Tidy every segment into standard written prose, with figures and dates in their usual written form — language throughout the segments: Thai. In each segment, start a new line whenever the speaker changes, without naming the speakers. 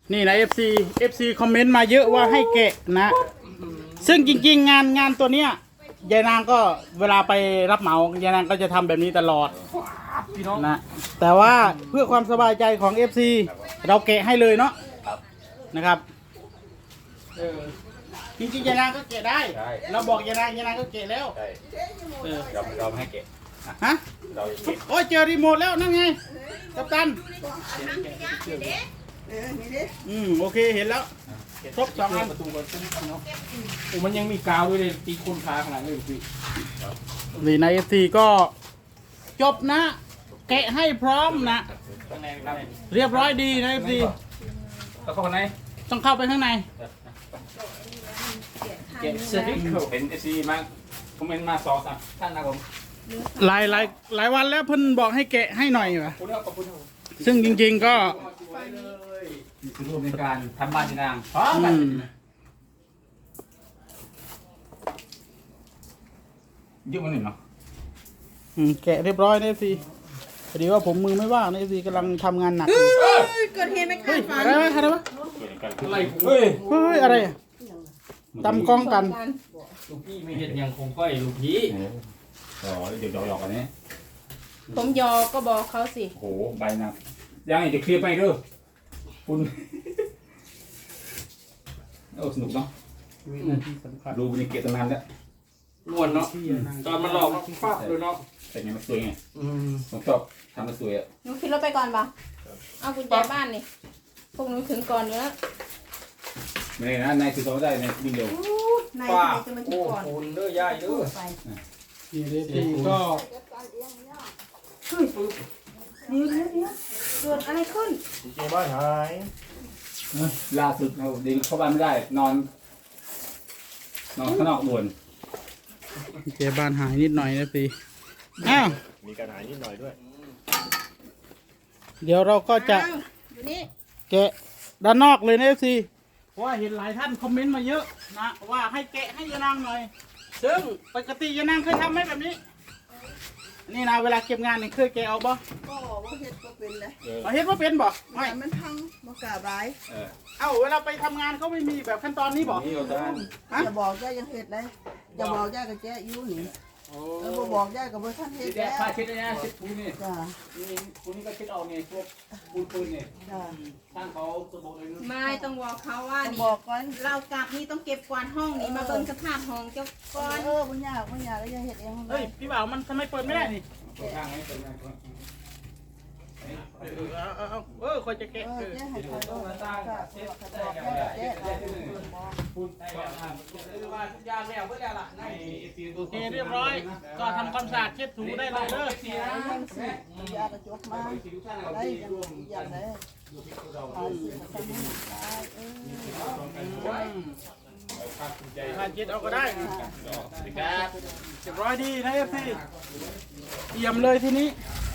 นี่นะ FC คอมเมนต์มาเยอะว่าให้แกะนะ ซึ่งจริงๆงานตัวเนี้ยยายนางก็เวลาไปรับเหมายายนางก็จะทำแบบนี้ตลอดนะแต่ว่าเพื่อความสบายใจของ FC เราแกะให้เลยเนาะนะครับจริงๆยายนางก็แกะได้เราบอกยายนางก็แกะแล้ว
เราให้เก็บ
ฮะโอ้ยเจอรีโมทแล้วนั่นไงกัปตันโอเคเห็นแล้วครบ2 อัน
ประตูก่อนเนาะโอ้มันยังมีกาวด้วยเลยตีคนขาขนาดนี้พี่
นี่ใน FC ก็จบนะแกะให้พร้อมนะเรียบร้อยดีนะ FC
แล้วเข้าไหน
ต้องเข้าไปข้างใน
เก็บเสื้อที่เป็นเอซีมาคอมเมนต์มา2-3 ท่านนะผม
หลายวันแล้วเพิ่นบอกให้แกะให้หน่อยวะซึ่งจริงๆก็
นี่คือรูปในการทำบ้านที่นางพร้อมกันยืมมันหนึ่งเนาะ
แกะเรียบร้อยนะ FC พอดีว่าผมมือไม่ว่างนะ FC กำลังทำงานหนัก
เกิดเหตุไม่คาดฝัน
อะไรวะเฮ้ยอะไรตำกล้องกัน
ลูกพี่ไม่เห็นยังคงก้อยลูกพี่
เดี๋ยวหยอกกันนี้
ผมยอก็บอกเขาสิ
โอ้โหใบหนักยังอีกจะเคลียร์ไปด้วยคุณโอ้สนุกเนาะดูบรรยากาศตั้งนานแล้ว
ม้วนเนาะตอนมันหลอกฟาดเลยเนาะ
แต่ยังมันสวยไงผมชอบทำมันสวยอ่ะ
หนูขึ้นรถไปก่อนปะเอากุญแจบ้านนี่พวกหนูถึงก่อนเนื้อ
ไม่ได้นะนายคือเขาได้ในวิ่งเร็วน
ายจะมาถึงก่อน
โอ้โหเด้อย่ายเด้อ
นี่เลยพี่ก็
เกิดอะไรขึ้น
เจ๊บ้านหาย
ล่าสุดเราดีเข้าบ้านไม่ได้นอนข้างนอกด่วน
เจ๊บ้านหายนิดหน่อยนะพี่อ้าว
มีการหายนิดหน่อยด้วย
เดี๋ยวเราก็จะแกะด้านนอกเลยนะ FC เพราะว่าเห็นหลายท่านคอมเมนต์มาเยอะนะว่าให้แกะให้ยานางหน่อยซึ่งปกติยานางเคยทำไหมแบบนี้นี่นะเวลาเก็บงานเนี่ยเคยแกะเอาบ่
ก็ว่าเฮ็ดก็เป็นเลย
เฮ็ดว่าเป็นบ่
ไม่มันพังบ่กล้าบาย
เอ้าเวลาไปทำงานเขาไม่มีแบบขั้นตอนนี้บ่
อย่าบอกย่ายังเฮ็ดเลยอย่าบอกย่ากับแจ๊อยู่นี่บ่บอกย่ากับบ่ท่านเฮ็ดแล้ว
ผ้าเช็ดนะเช็ดปูนี่
จ้า
ปูนี่ก็เช็ดเอาเนี่ยพวกปูนเนี่ย
จ้า
ท่านเขาจะบอกเลย
ไม่ต้องบอกเขาว่านี่บอกก่อนเรากลับนี่ต้องเก็บกวาดห้องนี่มาเบิ่งสภาพห้องเจ้าก่อนบ่ยากแล้วย่าเฮ็ดเอง
เฮ้ยพี่บ่าวมันทำไมเปิดไม่ได้นี่
ข้างให้เปิดได้
คอยจะแกะ
ปูนโ
อเคเรียบร้อยก็ทำความสะอาดเช็ดถูได้เลยเด้
อยากระจกมาได้อย่างไร
ผ่านเช็ดเอาก็ได้เรียบร้อยดีนะพี่เยี่ยมเลยทีนี้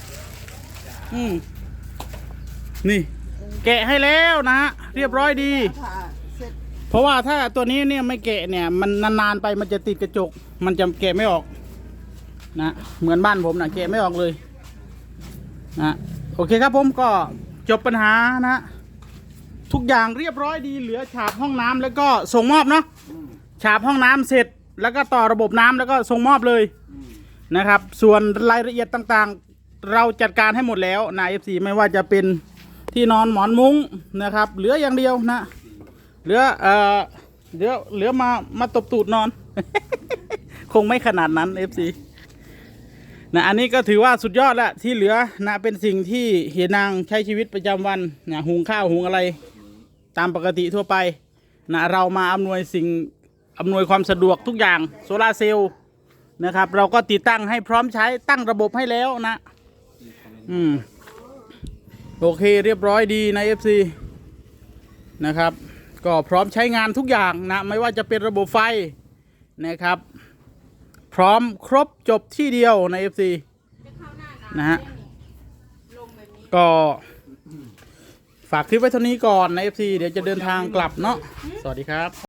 นี่แกะให้แล้วนะเรียบร้อยดีเพราะว่าถ้าตัวนี้เนี่ยไม่แกะเนี่ยมันนานๆไปมันจะติดกระจกมันจะแกะไม่ออกนะเหมือนบ้านผมนะแกะไม่ออกเลยนะโอเคครับผมก็จบปัญหานะทุกอย่างเรียบร้อยดีเหลือฉาบห้องน้ำแล้วก็ส่งมอบเนาะฉาบห้องน้ำเสร็จแล้วก็ต่อระบบน้ำแล้วก็ส่งมอบเลยนะครับส่วนรายละเอียดต่างๆเราจัดการให้หมดแล้วนะ FC ไม่ว่าจะเป็นที่นอนหมอนมุ้งนะครับเหลืออย่างเดียวนะเหลือมาตบตูดนอน คงไม่ขนาดนั้น FC นะอันนี้ก็ถือว่าสุดยอดแล้วที่เหลือนะเป็นสิ่งที่เฮียนางใช้ชีวิตประจำวันนะหุงข้าวหุงอะไรตามปกติทั่วไปนะเรามาอำนวยความสะดวกทุกอย่างโซลาร์เซลล์นะครับเราก็ติดตั้งให้พร้อมใช้ตั้งระบบให้แล้วนะโอเคเรียบร้อยดีใน FC นะครับก็พร้อมใช้งานทุกอย่างนะไม่ว่าจะเป็นระบบไฟนะครับพร้อมครบจบที่เดียวใน FC นะฮะก็ฝากคลิปไว้เท่านี้ก่อนใน FC เดี๋ยวจะเดินทางกลับเนาะสวัสดีครับ